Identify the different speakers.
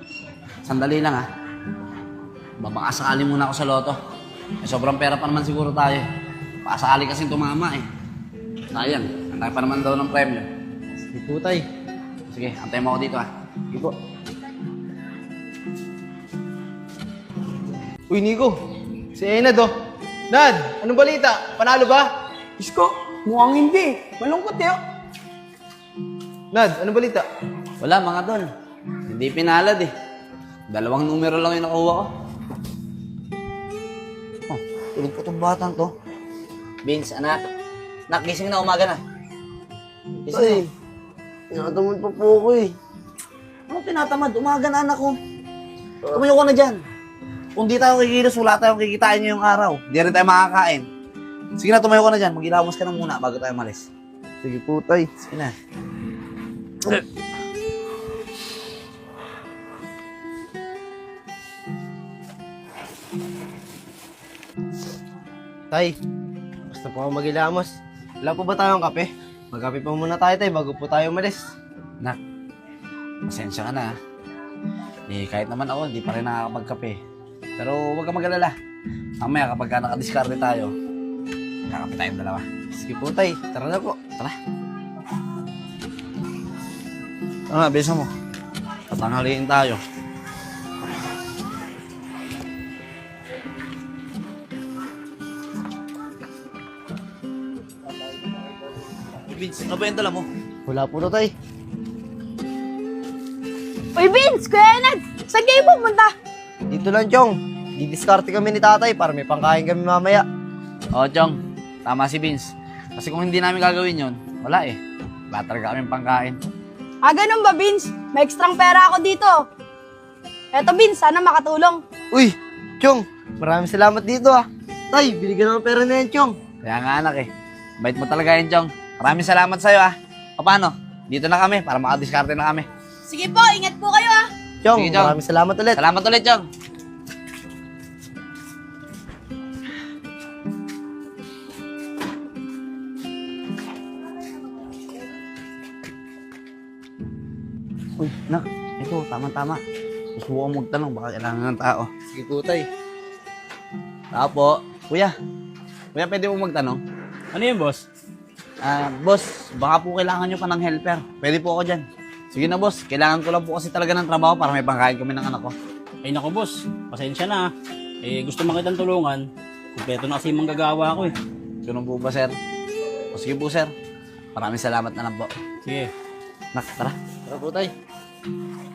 Speaker 1: Sandali lang, ha. Babakasakali muna ako sa loto. Sobrang pera pa naman siguro tayo. Pakasakali kasing tumama, eh. Sayang, ang tayo pa naman daw ng premyo.
Speaker 2: Sige po, tay.
Speaker 1: Sige, antayin mo ako dito, ha.
Speaker 2: Sige po. Uy, Nico. Si Enad, oh. Nad, anong balita? Panalo ba?
Speaker 3: Isko, mukhang hindi. Malungkot eh.
Speaker 2: Nad, anong balita?
Speaker 1: Wala, mga tol. Hindi pinalad, eh. 2 numero lang yung nakuha ko. Oh, tulog po itong batang to. Vince, anak. Nak, gising na, umaga na. Gising na.
Speaker 3: Tinatamad pa po ako eh.
Speaker 1: Ano tinatamad? Umaga na, anak ko. Tumayo ko na dyan. Kung di tayo kikilos, wala tayong kikitain ngayong araw. Di rin tayo makakain. Sige na, tumayo ko na dyan. Mag-ilamos ka na muna bago tayo malis.
Speaker 3: Sige po, tay.
Speaker 1: Sige na.
Speaker 2: Tay, basta po ako magilamos. Wala po ba tayong kape? Magkape pa muna tayo, tay, bago po tayo umalis.
Speaker 1: Nak, pasensya ka na. Eh, kahit naman ako, di pa rin nakakapagkape. Pero huwag ka mag-alala. Mamaya kapag nakadiskarte tayo, kakape tayong dalawa.
Speaker 2: Sige po, tay. Tara na po.
Speaker 1: Tara. Tara na, bisa mo. Tatanghaliin tayo. Vince, ano ba yung dala mo?
Speaker 2: Wala po na, tay.
Speaker 4: Uy, Vince! Kuya Enad! Saan kayo pumunta?
Speaker 2: Dito lang, Chong. Didiskarte kami ni tatay para may pangkain kami mamaya.
Speaker 1: Oo, Chong. Tama si Vince. Kasi kung hindi namin gagawin yon, wala eh. Wala talaga kaming pangkain.
Speaker 4: Ah, ganun ba, Vince? May ekstrang pera ako dito. Eto, Vince, sana makatulong.
Speaker 2: Uy, Chong. Maraming salamat dito, ah. Tay, binigyan ng pera na yan, Chong.
Speaker 1: Kaya nga, anak eh. Bait mo talaga yan, Chong. Maraming salamat sa'yo ah. O paano? Dito na kami para makadiskarte na kami.
Speaker 4: Sige po, ingat po kayo ah.
Speaker 2: Chong,
Speaker 1: Sige, Chong.
Speaker 2: maraming salamat ulit.
Speaker 1: Salamat ulit, Chong. Uy, nak. Ito, tama-tama. Susubukan mo magtanong, baka kailangan ng tao.
Speaker 2: Sige po, tay.
Speaker 1: Tao po. Kuya. Kuya, pwede mo magtanong?
Speaker 5: Ano yun, boss?
Speaker 1: Boss, baka po kailangan nyo pa ng helper. Pwede po ako dyan. Sige na, boss. Kailangan ko lang po kasi talaga ng trabaho para may pangkain kami ng anak ko.
Speaker 5: Ay naku, boss. Pasensya na. Eh, gusto mo kitang tulungan. Kumpleto na kasi yung manggagawa ko eh.
Speaker 1: Ganun po ba, sir? O sige po, sir. Maraming salamat na lang po.
Speaker 5: Sige.
Speaker 1: Nak, tara.
Speaker 2: Tara po, tay.